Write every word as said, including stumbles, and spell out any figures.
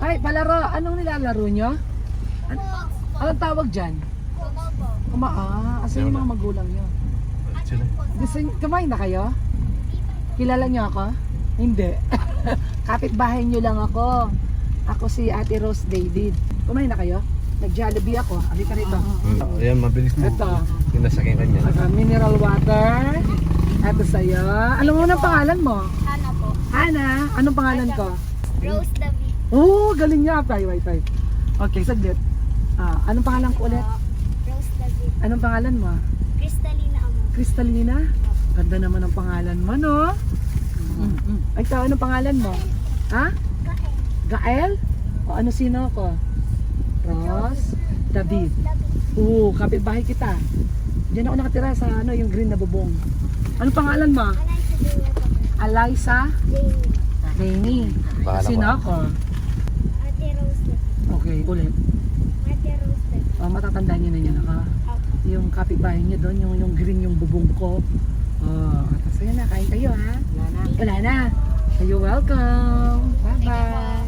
Ay, palaro. Anong nilalaro nyo? An anong tawag dyan? Kuma ah, asan yung mga magulang nyo? Gusto nyo, kumain na kayo? Kilala nyo ako? Hindi. Kapitbahay nyo lang ako. Ako si Ate Rose David. Kumain na kayo? Nag-Jollibee ako. Abi ka rito. Hmm. Ayan, mabilis mo. Ito. Pinasakyan kanya. Uh, mineral water. Ito sa'yo. Alam mo na pangalan mo? Hana po. Hana. Anong pangalan ko? Rose David. Oh, galing niya. Tay, wait, wait. Okay, saglit. Ah, anong pangalan ko ulit? Rose David. Anong pangalan mo? Kristalina Amo. Kristalina? Ganda naman ang pangalan mo, no? Mm -mm. Ay, ikaw, anong pangalan mo? Ha? Gael? O ano sino ako? Rose David. Oo, kapitbahay kita. Diyan ako nakatira sa ano, yung green na bubong. Anong pangalan mo? Alaysa Rainy. Bahala Sino ko. ako? Ate Rose David. Okay, ulit. Ate Rose David. Oh, matatandaan niyo na yan, ha? Yung kapitbahay niyo doon, yung, yung green yung bubong ko. Oh, tapos ayun na, kain kayo, ha? Wala na. Wala na. You're welcome. Bye-bye.